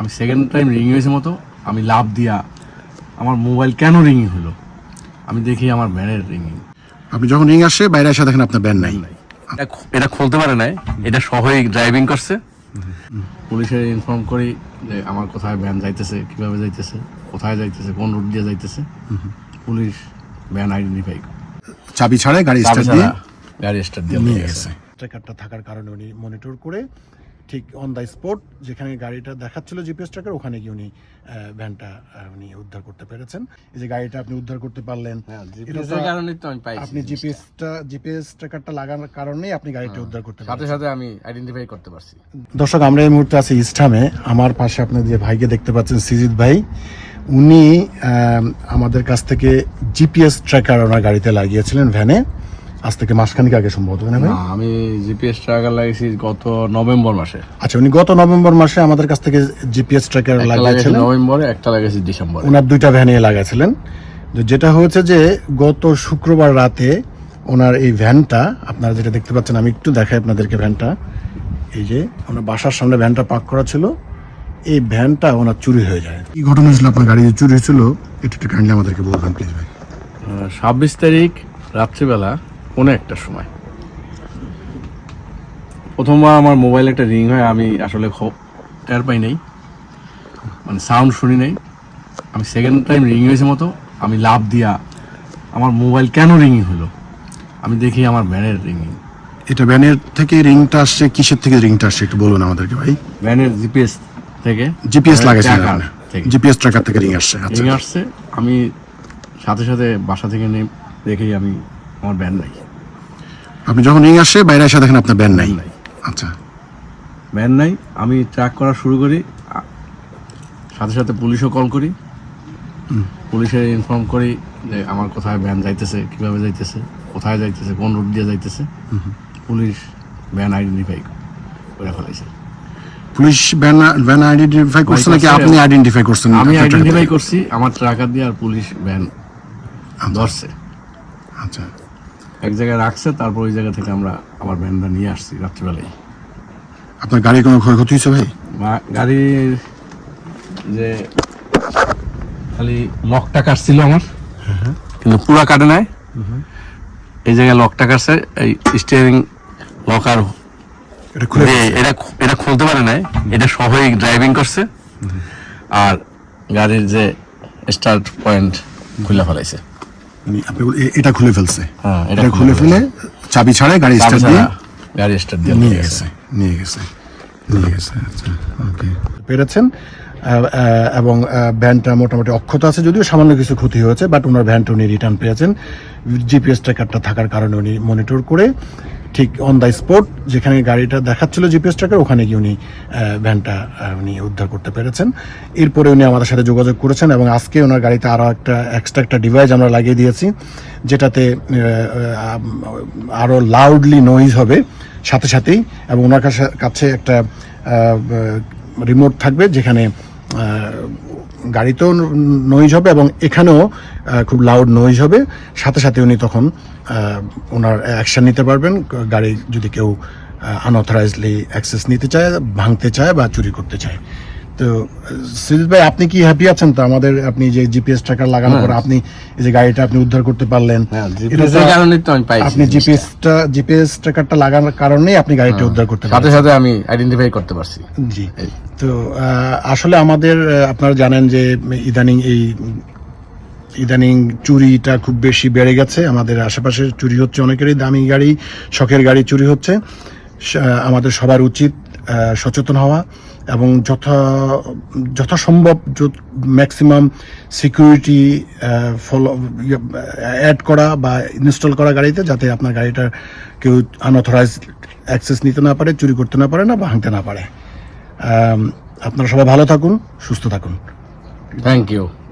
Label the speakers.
Speaker 1: আমি second time ring হয়েছে মতো আমি লাভ দিয়া আমার মোবাইল কেন রিংই হলো, আমি দেখি আমার ভ্যানের রিংই।
Speaker 2: আপনি যখন রিং আসে বাইরে এসে দেখেন আপনার ব্যান নাই।
Speaker 1: এটা খুলতে পারে নাই, এটা সহই ড্রাইভিং করছে। পুলিশে ইনফর্ম করি যে আমার কোথায় ভ্যান যাইতেছে, কিভাবে যাইতেছে, কোথায় যাইতেছে, কোন রুট দিয়ে যাইতেছে। পুলিশ ভ্যান আইডেন্টিফাই
Speaker 2: চাবি ছাড়াই গাড়ি স্টার্ট দিয়ে
Speaker 1: গাড়ি স্টার্ট দিয়ে
Speaker 2: নিয়ে গেছে। ট্র্যাকারটা থাকার কারণে উনি মনিটর করে ঠিক অন দ্য স্পট যেখানে গাড়িটা দেখাচ্ছিল জিপিএস ট্র্যাকার, ওখানে গিয়ে উনি ভ্যানটা উনি উদ্ধার করতে পেরেছেন। এই যে গাড়িটা আপনি উদ্ধার করতে পারলেন, আপনি জিপিএস ট্র্যাকারটা লাগানোর কারণেই আপনি গাড়িটা উদ্ধার করতে পারছেন,
Speaker 1: সাথে সাথে আমি আইডেন্টিফাই করতে পারছি।
Speaker 2: দর্শক, আমরা এই মুহূর্তে আছি ইস্টহামে। আমার পাশে আপনি যে ভাইকে দেখতে পাচ্ছেন, সিজিত ভাই, উনি আমাদের কাছ থেকে জিপিএস ট্র্যাকার ওনার গাড়িতে লাগিয়েছিলেন ভ্যানে, আজ থেকে মাসখানেক আগে সম্ভবত।
Speaker 1: আমি জিপিএস ট্র্যাকার লাগিয়েছি গত নভেম্বর মাসে।
Speaker 2: আচ্ছা, উনি গত নভেম্বর মাসে আমাদের কাছ থেকে জিপিএস ট্র্যাকার লাগিয়েছিলেন
Speaker 1: নভেম্বরে, একটা লাগিয়েছি ডিসেম্বরে।
Speaker 2: ওনার দুইটা ভ্যানে লাগাইছিলেন। যেটা হয়েছে যে গত শুক্রবার রাতে ওনার এই ভ্যানটা, আপনারা যেটা দেখতে পাচ্ছেন, আমি একটু দেখাই আপনাদেরকে ভ্যানটা। এই যে ওনার বাসার সামনে ভ্যানটা পার্ক করা ছিল, এই ভ্যানটা ওনার চুরি হয়ে যায়। কি ঘটনা হয়েছিল, আপনার গাড়ি যে চুরি হয়েছিল এটা একটু কাইন্ডলি আমাদেরকে বলবেন প্লিজ ভাই।
Speaker 1: 26 তারিখ রাত্রিবেলা 1:01টার সময় প্রথমবার আমার মোবাইল একটা রিং হয়। আমি আসলে টের পাই নাই, মানে সাউন্ড শুনি নাই। আমি সেকেন্ড টাইম রিং হয়েছে মতো আমি লাভ দিয়া আমার মোবাইল কেন রিংই হলো, আমি দেখি আমার ভ্যানের রিংই।
Speaker 2: এটা ভ্যানের থেকে রিংটা আসছে, কিসের থেকে রিংটা আসছে একটু বলুন আমাদেরকে ভাই।
Speaker 1: ভ্যানের জিপিএস থেকে,
Speaker 2: জিপিএস লাগাইছেন, জিপিএস ট্র্যাকার থেকে রিং আসছে।
Speaker 1: রিং আসছে, আমি সাথে সাথে বাসা থেকে দেখেই আমি আমার ভ্যান নাই।
Speaker 2: আপনি যখন রিং আসে বাইরে এসে দেখেন আপনার ভ্যান নাই। আচ্ছা,
Speaker 1: ভ্যান নাই। আমি ট্র্যাক করা শুরু করি, সাথে সাথে পুলিশও কল করি। পুলিশে ইনফর্ম করি যে আমার কোথায় ভ্যান যাইতেছে, কিভাবে যাইতেছে, কোথায় যাইতেছে, কোন রুট দিয়ে যাইতেছে। পুলিশ ভ্যান আইডেন্টিফাই করে ফেলাইছে।
Speaker 2: পুলিশ ভ্যান আইডেন্টিফাই করছে নাকি আপনি আইডেন্টিফাই করছেন?
Speaker 1: আমি আইডেন্টিফাই করছি আমার ট্র্যাকার দিয়ে, আর পুলিশ ভ্যান ধরছে।
Speaker 2: আচ্ছা,
Speaker 1: এক জায়গায় রাখছে, তারপর ওই জায়গা থেকে আমরা আমার ভ্যানটা নিয়ে আসছি রাত্রিবেলায়।
Speaker 2: আপনার গাড়ির কোনো ক্ষয়ক্ষতি হয়েছে ভাই?
Speaker 1: গাড়ির যে খালি লকটা কাটছিল আমার, কিন্তু পুরা কাটে নাই। এই জায়গায় লকটা কাটছে, এই স্টিয়ারিং লক আর এটা খুলতে পারে নাই, এটা সহই ড্রাইভিং করছে। আর গাড়ির যে স্টার্ট পয়েন্ট খুলে ফেলাইছে।
Speaker 2: এটা খুলে ফেলছে?
Speaker 1: হ্যাঁ,
Speaker 2: এটা খুলে ফেলে চাবি ছাড়াই গাড়ি স্টার্ট দিয়ে নিয়ে গেছে। আচ্ছা, ওকে, পেরেছেন। এবং ভ্যানটা মোটামুটি অক্ষত আছে, যদিও সামান্য কিছু ক্ষতি হয়েছে, বাট ওনার ভ্যানটা উনি রিটার্ন পেয়েছেন। জিপিএস ট্র্যাকারটা থাকার কারণে উনি মনিটর করে ঠিক অন দ্য স্পট যেখানে গাড়িটা দেখাচ্ছিল জিপিএস ট্র্যাকার, ওখানে গিয়ে উনি ভ্যানটা উনি উদ্ধার করতে পেরেছেন। এরপরে উনি আমাদের সাথে যোগাযোগ করেছেন এবং আজকে ওনার গাড়িতে আরও এক্সট্রা একটা ডিভাইস আমরা লাগিয়ে দিয়েছি, যেটাতে আরও লাউডলি নয়েজ হবে সাথে সাথেই, এবং ওনার কাছে একটা রিমোট থাকবে যেখানে গাড়িতেও নয়েজ হবে এবং এখানেও খুব লাউড নয়েজ হবে। সাথে সাথে উনি তখন ওনার অ্যাকশন নিতে পারবেন, গাড়ি যদি কেউ আনঅথরাইজলি অ্যাক্সেস নিতে চায়, ভাঙতে চায় বা চুরি করতে চায়। তো সিজিত ভাই, আপনি কি হ্যাপি আছেন তো আমাদের, আপনি যে জিপিএস ট্র্যাকার লাগানোর পর আপনি এই যে গাড়িটা আপনি উদ্ধার করতে পারলেন? আপনি জিপিএস ট্র্যাকারটা লাগানোর কারণেই আপনি গাড়িটা উদ্ধার করতে পারছেন,
Speaker 1: সাথে সাথে আমি আইডেন্টিফাই করতে পারছি।
Speaker 2: জি। তো আসলে আমাদের, আপনারা জানেন যে ইদানিং চুরিটা খুব বেশি বেড়ে গেছে। আমাদের আশেপাশে চুরি হচ্ছে, অনেকেরই দামি গাড়ি, শখের গাড়ি চুরি হচ্ছে। আমাদের সবার উচিত সচেতন হওয়া এবং যথাসম্ভব ম্যাক্সিমাম সিকিউরিটি অ্যাড করা বা ইনস্টল করা গাড়িতে, যাতে আপনার গাড়িটা কেউ আনঅথরাইজ অ্যাক্সেস নিতে না পারে, চুরি করতে না পারে, না ভাঙতে না পারে। আপনারা সবাই ভালো থাকুন, সুস্থ থাকুন।
Speaker 1: Thank you.